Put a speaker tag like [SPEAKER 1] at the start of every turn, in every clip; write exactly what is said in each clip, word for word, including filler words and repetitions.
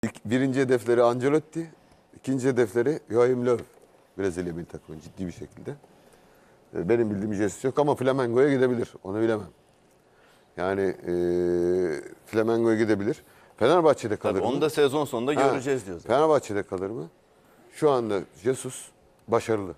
[SPEAKER 1] İlk, birinci hedefleri Ancelotti, ikinci hedefleri Joachim Löw. Brezilya milli takımı ciddi bir şekilde. Benim bildiğim Jesus yok ama Flamengo'ya gidebilir. Onu bilemem. Yani e, Flamengo'ya gidebilir. Fenerbahçe'de kalır
[SPEAKER 2] Tabii
[SPEAKER 1] mı?
[SPEAKER 2] onu da sezon sonunda
[SPEAKER 1] Ha,
[SPEAKER 2] göreceğiz diyoruz.
[SPEAKER 1] Fenerbahçe'de kalır mı? Şu anda Jesus başarılı.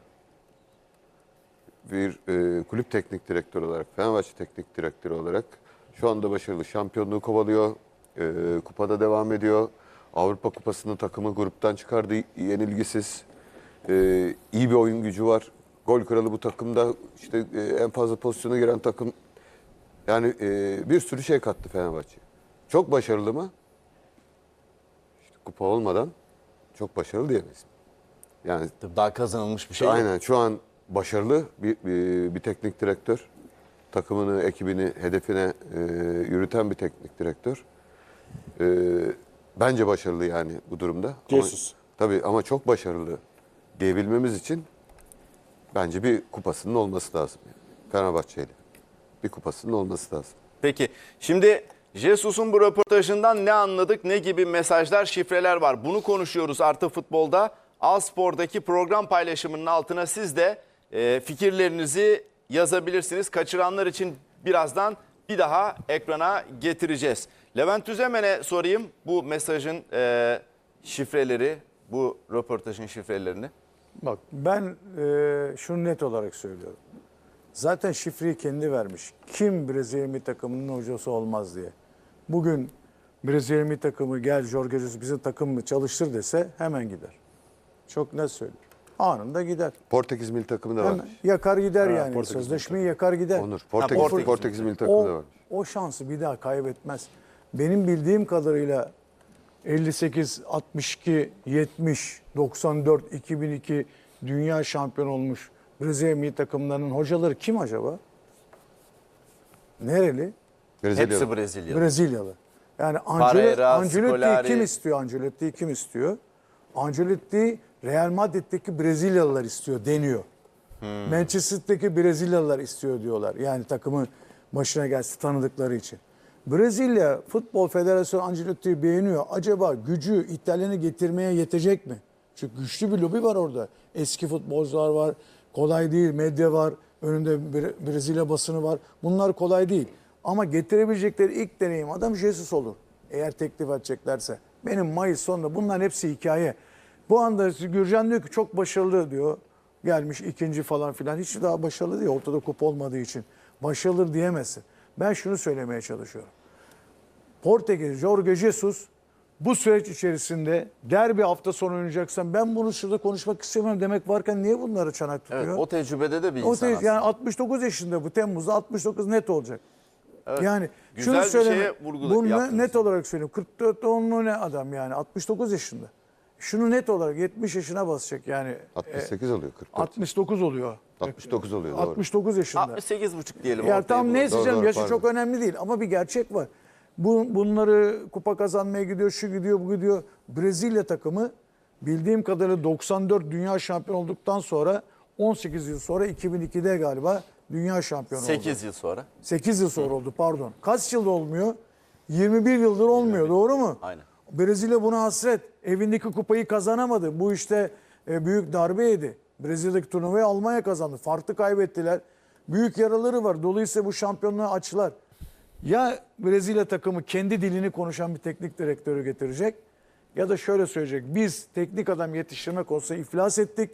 [SPEAKER 1] Bir e, kulüp teknik direktörü olarak, Fenerbahçe teknik direktörü olarak şu anda başarılı. Şampiyonluğu kovalıyor, e, kupada devam ediyor. Avrupa Kupası'nın takımı gruptan çıkardı, yenilgisiz. E, iyi bir oyun gücü var. Gol kralı bu takımda, işte e, en fazla pozisyona giren takım. Yani e, bir sürü şey kattı Fenerbahçe. Çok başarılı mı? İşte kupa olmadan çok başarılı diyemeyiz. Yani
[SPEAKER 2] Daha kazanılmış bir şey yok.
[SPEAKER 1] aynen şu an başarılı bir, bir, bir teknik direktör. Takımını, ekibini, hedefine e, yürüten bir teknik direktör. E, bence başarılı yani bu durumda.
[SPEAKER 3] Jesus.
[SPEAKER 1] Ama, tabii ama çok başarılı diyebilmemiz için bence bir kupasının olması lazım. Yani. Fenerbahçe'yle bir kupasının olması lazım.
[SPEAKER 2] Peki şimdi Jesus'un bu röportajından ne anladık, ne gibi mesajlar, şifreler var? Bunu konuşuyoruz Artı Futbol'da. A-Spor'daki program paylaşımının altına siz de e, fikirlerinizi yazabilirsiniz. Kaçıranlar için birazdan bir daha ekrana getireceğiz. Levent Üzemen'e sorayım bu mesajın e, şifreleri, bu röportajın şifrelerini.
[SPEAKER 3] Bak ben e, şunu net olarak söylüyorum. Zaten şifreyi kendi vermiş. Kim Brezilya milli takımının hocası olmaz diye. Bugün Brezilya milli takımı gel Jorge Jesus bizim takımı çalıştır dese hemen gider. Çok net söylüyorum. Anında gider.
[SPEAKER 1] Portekiz milli takımı da
[SPEAKER 3] Hemen
[SPEAKER 1] varmış.
[SPEAKER 3] yakar gider
[SPEAKER 4] Ha,
[SPEAKER 3] yani.
[SPEAKER 4] Portekiz
[SPEAKER 3] Sözleşmeyi yakar gider.
[SPEAKER 1] Onur. Portekiz,
[SPEAKER 2] Portekiz.
[SPEAKER 1] Portekiz, milli takımı
[SPEAKER 3] O,
[SPEAKER 1] da varmış.
[SPEAKER 3] o şansı bir daha kaybetmez. Benim bildiğim kadarıyla elli sekiz, altmış iki, yetmiş, doksan dört, iki bin iki dünya şampiyon olmuş Brezilya milli takımlarının hocaları kim acaba? Nereli?
[SPEAKER 1] Brezilya.
[SPEAKER 2] Hepsi Brezilyalı.
[SPEAKER 3] Brezilyalı. Yani
[SPEAKER 2] Pereira,
[SPEAKER 3] Ancelotti'yi
[SPEAKER 2] Scolari.
[SPEAKER 3] kim istiyor? Ancelotti'yi kim istiyor? Ancelotti Real Madrid'deki Brezilyalılar istiyor deniyor.
[SPEAKER 2] Hmm.
[SPEAKER 3] Manchester'daki Brezilyalılar istiyor diyorlar. Yani takımın başına gelsin tanıdıkları için. Brezilya Futbol Federasyonu Ancelotti'yi beğeniyor. Acaba gücü İtalyan'ı getirmeye yetecek mi? Çünkü güçlü bir lobi var orada. Eski futbolcular var. Kolay değil. Medya var. Önünde Bre- Brezilya basını var. Bunlar kolay değil. Ama getirebilecekleri ilk deneyim adam Jesus olur. Eğer teklif edeceklerse. Benim Mayıs sonunda bunların hepsi hikaye. Bu anda Gürcan diyor ki çok başarılı diyor. Gelmiş ikinci falan filan. Hiç daha başarılı değil. Ortada kupa olmadığı için. Başarılı diyemezsin. Ben şunu söylemeye çalışıyorum. Portekiz, Jorge Jesus bu süreç içerisinde derbi hafta sonu oynayacaksan ben bunu şurada konuşmak istemiyorum demek varken niye bunları çanak tutuyor?
[SPEAKER 2] Evet, o tecrübede de bir
[SPEAKER 3] O
[SPEAKER 2] insan
[SPEAKER 3] te-
[SPEAKER 2] aslında.
[SPEAKER 3] yani altmış dokuz yaşında bu Temmuz'da altmış dokuz net olacak.
[SPEAKER 2] Evet,
[SPEAKER 3] Yani
[SPEAKER 2] güzel
[SPEAKER 3] şunu
[SPEAKER 2] bir
[SPEAKER 3] söyleme.
[SPEAKER 2] şeye vurgu
[SPEAKER 3] Bunu
[SPEAKER 2] yaptınız.
[SPEAKER 3] net olarak söyleyeyim. kırk dört doğumlu ne adam yani altmış dokuz yaşında. Şunu net olarak yetmiş yaşına basacak yani.
[SPEAKER 1] altmış sekiz oluyor, kırk dört.
[SPEAKER 3] altmış dokuz oluyor.
[SPEAKER 1] altmış dokuz oluyor, doğru.
[SPEAKER 3] altmış dokuz yaşında.
[SPEAKER 2] altmış sekiz buçuk diyelim.
[SPEAKER 3] Ya
[SPEAKER 2] ortaya
[SPEAKER 3] tam
[SPEAKER 2] bulalım.
[SPEAKER 3] neyse
[SPEAKER 1] Doğru,
[SPEAKER 3] canım
[SPEAKER 1] doğru,
[SPEAKER 3] yaşı
[SPEAKER 1] pardon.
[SPEAKER 3] çok önemli değil ama bir gerçek var. Bu, bunları kupa kazanmaya gidiyor, şu gidiyor, bu gidiyor. Brezilya takımı bildiğim kadarıyla doksan dört dünya şampiyon olduktan sonra on sekiz yıl sonra iki bin ikide galiba dünya şampiyonu oldu.
[SPEAKER 2] sekiz yıl sonra.
[SPEAKER 3] sekiz yıl sonra oldu pardon. Kaç yılda olmuyor? yirmi bir yıldır olmuyor doğru mu?
[SPEAKER 2] Aynen.
[SPEAKER 3] Brezilya buna hasret. Evindeki kupayı kazanamadı. Bu işte e, büyük darbe yedi. Brezilya'daki turnuvayı Almanya kazandı. Farklı kaybettiler. Büyük yaraları var. Dolayısıyla bu şampiyonluğu açılar. Ya Brezilya takımı kendi dilini konuşan bir teknik direktörü getirecek ya da şöyle söyleyecek. Biz teknik adam yetiştirme konusunda iflas ettik.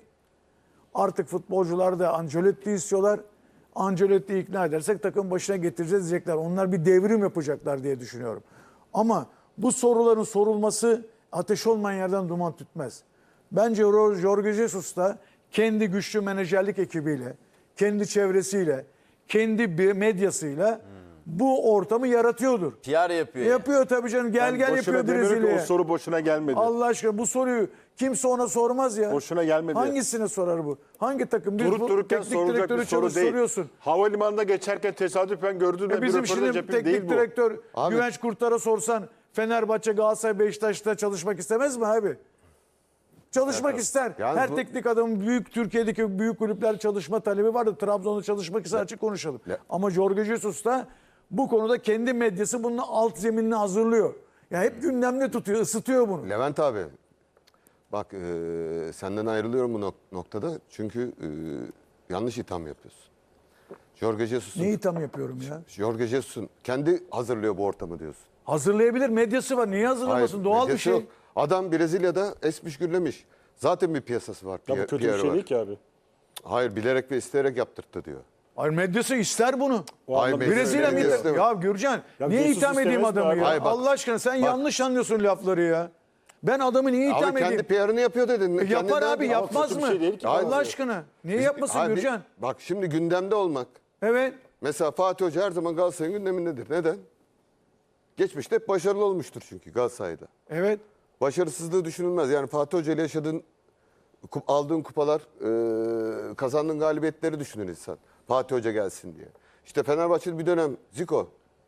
[SPEAKER 3] Artık futbolcular da Ancelotti istiyorlar. Ancelotti'yi ikna edersek takım başına getireceğiz diyecekler. Onlar bir devrim yapacaklar diye düşünüyorum. Ama bu soruların sorulması ateş olmayan yerden duman tütmez. Bence Jorge Jesus da kendi güçlü menajerlik ekibiyle, kendi çevresiyle, kendi medyasıyla bu ortamı yaratıyordur.
[SPEAKER 2] P R yapıyor. yani.
[SPEAKER 3] Yapıyor tabii canım. Gel
[SPEAKER 4] Ben
[SPEAKER 3] gel
[SPEAKER 4] boşuna
[SPEAKER 3] yapıyor
[SPEAKER 4] demiyorum ki
[SPEAKER 3] Brezilya'ya.
[SPEAKER 4] O soru boşuna gelmedi.
[SPEAKER 3] Allah aşkına bu soruyu kimse ona sormaz ya.
[SPEAKER 4] Boşuna gelmedi.
[SPEAKER 3] Hangisine sorar bu? Hangi takım? Bir
[SPEAKER 4] Durup
[SPEAKER 3] bu
[SPEAKER 4] dururken
[SPEAKER 3] teknik
[SPEAKER 4] sorulacak
[SPEAKER 3] direktörü
[SPEAKER 4] bir soru
[SPEAKER 3] çalış-
[SPEAKER 4] değil.
[SPEAKER 3] soruyorsun.
[SPEAKER 4] Havalimanında geçerken tesadüfen gördün
[SPEAKER 3] E
[SPEAKER 4] de bir
[SPEAKER 3] bizim
[SPEAKER 4] röportaj
[SPEAKER 3] şimdi
[SPEAKER 4] yapayım değil
[SPEAKER 3] teknik
[SPEAKER 4] bu.
[SPEAKER 3] direktör
[SPEAKER 1] Abi-
[SPEAKER 3] Güvenç Kurtar'a sorsan Fenerbahçe, Galatasaray, Beşiktaş'ta çalışmak istemez mi abi? Çalışmak ister.
[SPEAKER 1] Yani
[SPEAKER 3] Her
[SPEAKER 1] bu-
[SPEAKER 3] teknik adamın büyük Türkiye'deki büyük kulüpler çalışma talebi vardı. Trabzon'da çalışmak ister açık konuşalım.
[SPEAKER 1] Ya-
[SPEAKER 3] Ama Jorge Jesus da bu konuda kendi medyası bunun alt zeminini hazırlıyor. Ya hep gündemde tutuyor, ısıtıyor bunu.
[SPEAKER 1] Levent abi, bak e, senden ayrılıyorum bu nok- noktada. Çünkü e, yanlış itham yapıyorsun. Jorge Jesus'un,
[SPEAKER 3] Ne itham yapıyorum ya?
[SPEAKER 1] Jorge Jesus'un kendi hazırlıyor bu ortamı diyorsun.
[SPEAKER 3] Hazırlayabilir, medyası var. Niye hazırlamasın?
[SPEAKER 1] Hayır,
[SPEAKER 3] Doğal bir
[SPEAKER 1] medyası
[SPEAKER 3] şey.
[SPEAKER 1] yok. Adam Brezilya'da esmiş gürlemiş. Zaten bir piyasası var.
[SPEAKER 4] Ya bu
[SPEAKER 1] Pier-
[SPEAKER 4] kötü bir
[SPEAKER 1] Pierre
[SPEAKER 4] şey
[SPEAKER 1] var.
[SPEAKER 4] değil ki abi.
[SPEAKER 1] Hayır, bilerek ve isteyerek yaptırttı diyor.
[SPEAKER 3] Hayır, medyası ister bunu.
[SPEAKER 4] O
[SPEAKER 1] Hayır,
[SPEAKER 4] anlamda
[SPEAKER 1] medyası
[SPEAKER 3] Brezilya
[SPEAKER 1] öyle
[SPEAKER 3] milli...
[SPEAKER 1] istemez.
[SPEAKER 3] Ya Gürcan,
[SPEAKER 4] Ya
[SPEAKER 3] niye
[SPEAKER 4] Jesus
[SPEAKER 3] itham edeyim
[SPEAKER 4] istemez mi
[SPEAKER 3] adamı
[SPEAKER 4] abi?
[SPEAKER 3] ya?
[SPEAKER 1] Hayır, bak.
[SPEAKER 3] Allah aşkına sen
[SPEAKER 1] Bak.
[SPEAKER 3] yanlış anlıyorsun lafları ya. Ben adamı niye itham
[SPEAKER 1] Abi kendi
[SPEAKER 3] edeyim?
[SPEAKER 1] P R'ını yapıyor dedin.
[SPEAKER 3] E, yapar
[SPEAKER 1] Kendinden-
[SPEAKER 3] abi,
[SPEAKER 4] Ama
[SPEAKER 3] yapmaz
[SPEAKER 4] kötü bir
[SPEAKER 3] mı?
[SPEAKER 4] şey değil ki.
[SPEAKER 3] Allah
[SPEAKER 4] Hayır.
[SPEAKER 3] aşkına. Niye yapmasın
[SPEAKER 1] Abi,
[SPEAKER 3] Gürcan?
[SPEAKER 1] Bak şimdi gündemde olmak.
[SPEAKER 3] Evet.
[SPEAKER 1] Mesela Fatih Hoca her zaman Galatasaray'ın gündemindedir. Neden? Geçmişte hep başarılı olmuştur çünkü Galatasaray'da.
[SPEAKER 3] Evet.
[SPEAKER 1] Başarısızlığı düşünülmez. Yani Fatih Hoca ile yaşadığın, kup- aldığın kupalar, e, kazandığın galibiyetleri düşünür insan. Fatih Hoca gelsin diye. İşte Fenerbahçe'de bir dönem Zico.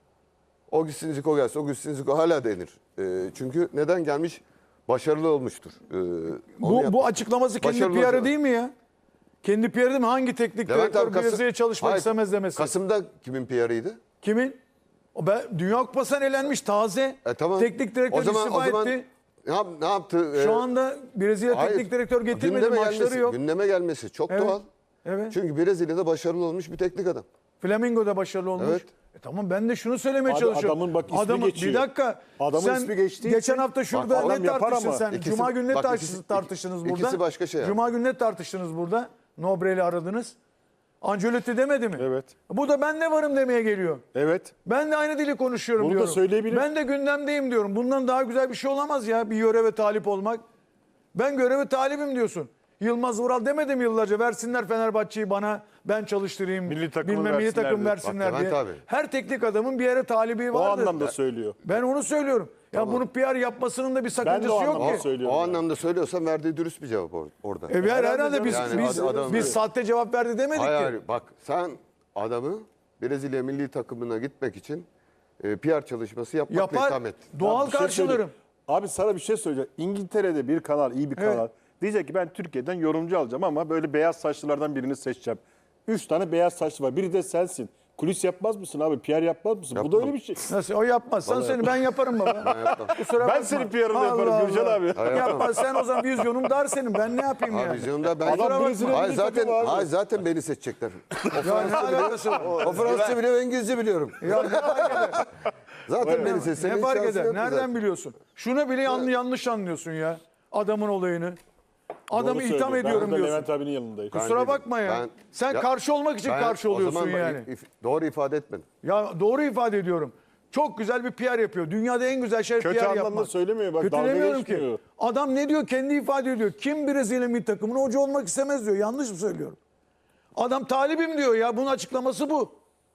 [SPEAKER 1] O gitsin Zico gelsin, o gitsin Zico hala denir. E, çünkü neden gelmiş? Başarılı olmuştur. E, onu
[SPEAKER 3] Bu,
[SPEAKER 1] yapmış.
[SPEAKER 3] bu açıklaması kendi
[SPEAKER 1] Başarılı
[SPEAKER 3] P R'ı
[SPEAKER 1] hoca.
[SPEAKER 3] değil mi ya? Kendi P R'ı değil mi? Hangi teknik
[SPEAKER 1] Levent
[SPEAKER 3] direktör
[SPEAKER 1] abi, Kasım-
[SPEAKER 3] Brezilya'ya çalışmak
[SPEAKER 1] Hayır,
[SPEAKER 3] istemez demesi?
[SPEAKER 1] Kasım'da kimin P R'ıydı?
[SPEAKER 3] Kimin? O ben, Dünya Kupası'na elenmiş taze.
[SPEAKER 1] E, tamam.
[SPEAKER 3] Teknik direktör
[SPEAKER 1] O zaman-
[SPEAKER 3] istifa
[SPEAKER 1] o zaman
[SPEAKER 3] etti.
[SPEAKER 1] Ne, yap, ne yaptı?
[SPEAKER 3] Şu
[SPEAKER 1] E,
[SPEAKER 3] anda Brezilya
[SPEAKER 1] hayır,
[SPEAKER 3] teknik direktör getirmedi,
[SPEAKER 1] gündeme
[SPEAKER 3] maçları
[SPEAKER 1] gelmesi,
[SPEAKER 3] yok.
[SPEAKER 1] Gündeme gelmesi çok
[SPEAKER 3] Evet.
[SPEAKER 1] doğal.
[SPEAKER 3] Evet.
[SPEAKER 1] Çünkü Brezilya'da başarılı olmuş bir teknik adam.
[SPEAKER 3] Flamengo'da başarılı olmuş.
[SPEAKER 1] Evet.
[SPEAKER 3] E tamam, ben de şunu söylemeye
[SPEAKER 4] Abi
[SPEAKER 3] çalışıyorum.
[SPEAKER 4] adamın bak ismi
[SPEAKER 3] Adamın-
[SPEAKER 4] geçiyor.
[SPEAKER 3] Bir dakika.
[SPEAKER 4] Adamın
[SPEAKER 3] sen
[SPEAKER 4] ismi geçtiği
[SPEAKER 3] geçen
[SPEAKER 4] için-
[SPEAKER 3] hafta şurada
[SPEAKER 4] Bak, adam
[SPEAKER 3] ne
[SPEAKER 4] yapar
[SPEAKER 3] tartıştın
[SPEAKER 4] ama.
[SPEAKER 3] sen?
[SPEAKER 1] İkisi-
[SPEAKER 3] Cuma günü ne
[SPEAKER 1] bak,
[SPEAKER 3] tartıştınız,
[SPEAKER 1] ikisi-
[SPEAKER 3] tartıştınız burada?
[SPEAKER 1] ikisi başka şey abi.
[SPEAKER 3] Cuma günü ne tartıştınız burada? Nobre'li aradınız. Ancelotti demedi mi?
[SPEAKER 4] Evet.
[SPEAKER 3] Bu da ben de varım demeye geliyor.
[SPEAKER 4] Evet.
[SPEAKER 3] Ben de aynı dili konuşuyorum
[SPEAKER 4] Bunu da
[SPEAKER 3] diyorum.
[SPEAKER 4] söyleyebilir.
[SPEAKER 3] Ben de gündemdeyim diyorum. Bundan daha güzel bir şey olamaz ya, bir göreve talip olmak. Ben göreve talibim diyorsun. Yılmaz Vural demedim yıllarca, versinler Fenerbahçe'yi bana, ben çalıştırayım.
[SPEAKER 4] Milli takımı
[SPEAKER 3] bilmem milli
[SPEAKER 4] versinler
[SPEAKER 3] takım
[SPEAKER 4] diyor.
[SPEAKER 3] versinler
[SPEAKER 1] Bak
[SPEAKER 3] diye.
[SPEAKER 1] Levent abi.
[SPEAKER 3] Her teknik adamın bir yere talibi
[SPEAKER 4] O
[SPEAKER 3] vardır.
[SPEAKER 4] anlamda söylüyor.
[SPEAKER 3] Ben onu söylüyorum. Ya bunu P R yapmasının da bir sakıncası
[SPEAKER 4] o
[SPEAKER 3] yok
[SPEAKER 4] anlamda
[SPEAKER 3] ki.
[SPEAKER 4] söylüyorum.
[SPEAKER 1] O
[SPEAKER 4] yani.
[SPEAKER 1] anlamda söylüyorsan verdiği dürüst bir cevap or- orada.
[SPEAKER 3] E, herhalde, herhalde biz
[SPEAKER 1] Yani
[SPEAKER 3] biz,
[SPEAKER 1] ad- adam-
[SPEAKER 3] biz sahte cevap verdi demedik
[SPEAKER 1] hayır,
[SPEAKER 3] ki.
[SPEAKER 1] hayır, bak sen adamı Brezilya milli takımına gitmek için e, P R çalışması yapmakla
[SPEAKER 3] Yapar.
[SPEAKER 1] itham ettin.
[SPEAKER 3] Doğal
[SPEAKER 4] Bir şey
[SPEAKER 3] karşılarım.
[SPEAKER 4] söyleyeyim. Abi sana bir şey söyleyeceğim. İngiltere'de bir kanal, iyi bir
[SPEAKER 3] Evet.
[SPEAKER 4] kanal. Diyecek ki ben Türkiye'den yorumcu alacağım ama böyle beyaz saçlılardan birini seçeceğim. Üç tane beyaz saçlı var. Biri de sensin. Kulis yapmaz mısın abi? P R yapmaz mısın? Bu da
[SPEAKER 1] Yapmam.
[SPEAKER 4] öyle bir şey.
[SPEAKER 3] Nasıl? O yapmaz. Sen seni ben yaparım baba. Kusura
[SPEAKER 4] Ben
[SPEAKER 3] bakma.
[SPEAKER 4] senin P R'ını
[SPEAKER 3] Allah
[SPEAKER 4] yaparım Gürcan
[SPEAKER 3] Allah.
[SPEAKER 4] abi.
[SPEAKER 1] Hayır,
[SPEAKER 3] Yapma sen, o zaman vizyonun dar senin. Ben ne yapayım
[SPEAKER 1] Abi
[SPEAKER 3] yani?
[SPEAKER 1] vizyonda ben...
[SPEAKER 4] Adam
[SPEAKER 1] Kusura
[SPEAKER 4] Brezilya
[SPEAKER 1] bakma. Hayır
[SPEAKER 4] milli
[SPEAKER 1] zaten,
[SPEAKER 4] takımı abi.
[SPEAKER 1] hayır zaten beni seçecekler. O
[SPEAKER 3] Ya ne
[SPEAKER 1] Fransızca biliyor,
[SPEAKER 3] alakası var?
[SPEAKER 1] o Fransızca biliyor, İngilizce biliyorum.
[SPEAKER 3] Ya ne fark eder?
[SPEAKER 1] Zaten beni seçseler
[SPEAKER 3] Ne
[SPEAKER 1] hiç
[SPEAKER 3] fark
[SPEAKER 1] şansı
[SPEAKER 3] eder?
[SPEAKER 1] yoktu
[SPEAKER 3] Nereden
[SPEAKER 1] zaten.
[SPEAKER 3] biliyorsun? Şunu bile yan- yanlış anlıyorsun ya. Adamın olayını. Adamı
[SPEAKER 4] Doğru
[SPEAKER 3] itham
[SPEAKER 4] söylüyor.
[SPEAKER 3] ediyorum
[SPEAKER 4] Ben burada
[SPEAKER 3] diyorsun.
[SPEAKER 4] Levent abinin yanındayım.
[SPEAKER 1] Ben
[SPEAKER 3] Kusura
[SPEAKER 1] değilim.
[SPEAKER 3] bakma ya.
[SPEAKER 1] Ben-
[SPEAKER 3] Sen
[SPEAKER 1] Ya-
[SPEAKER 3] karşı olmak için
[SPEAKER 1] Ben-
[SPEAKER 3] karşı
[SPEAKER 1] o
[SPEAKER 3] oluyorsun
[SPEAKER 1] zaman ben
[SPEAKER 3] yani.
[SPEAKER 1] if- doğru ifade etmedim.
[SPEAKER 3] Ya doğru ifade ediyorum. Çok güzel bir P R yapıyor. Dünyada en güzel şey
[SPEAKER 4] Kötü
[SPEAKER 3] P R
[SPEAKER 4] anlamda
[SPEAKER 3] yapmak.
[SPEAKER 4] söylemiyor. Bak,
[SPEAKER 3] Kötü
[SPEAKER 4] dalga
[SPEAKER 3] demiyorum ki.
[SPEAKER 4] geçmiyor.
[SPEAKER 3] Adam ne diyor? Kendi ifade ediyor. Kim Brezilya milli takımına hoca olmak istemez diyor. Yanlış mı söylüyorum? Adam talibim diyor ya. Bunun açıklaması bu.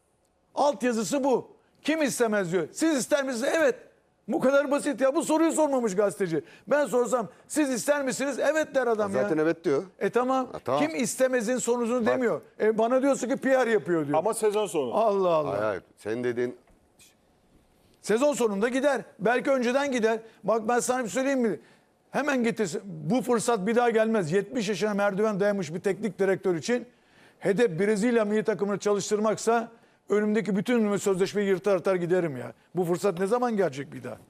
[SPEAKER 3] Altyazısı bu. Kim istemez diyor. Siz ister misiniz? Evet. Bu kadar basit ya. Bu soruyu sormamış gazeteci. Ben sorsam siz ister misiniz? Evet der adam ya.
[SPEAKER 1] Zaten evet diyor.
[SPEAKER 3] E tamam.
[SPEAKER 1] Ha, tamam.
[SPEAKER 3] Kim istemezin sonucunu demiyor. E bana diyorsun ki P R yapıyor diyor.
[SPEAKER 4] Ama sezon sonu.
[SPEAKER 3] Allah Allah.
[SPEAKER 1] Hayır hayır. Senin dediğin
[SPEAKER 3] Sezon sonunda gider. Belki önceden gider. Bak ben sana bir söyleyeyim mi? Hemen getirsin. Bu fırsat bir daha gelmez. yetmiş yaşına merdiven dayamış bir teknik direktör için hedef Brezilya milli takımını çalıştırmaksa önümdeki bütün sözleşmeyi yırtar atar giderim ya. Bu fırsat ne zaman gelecek bir daha?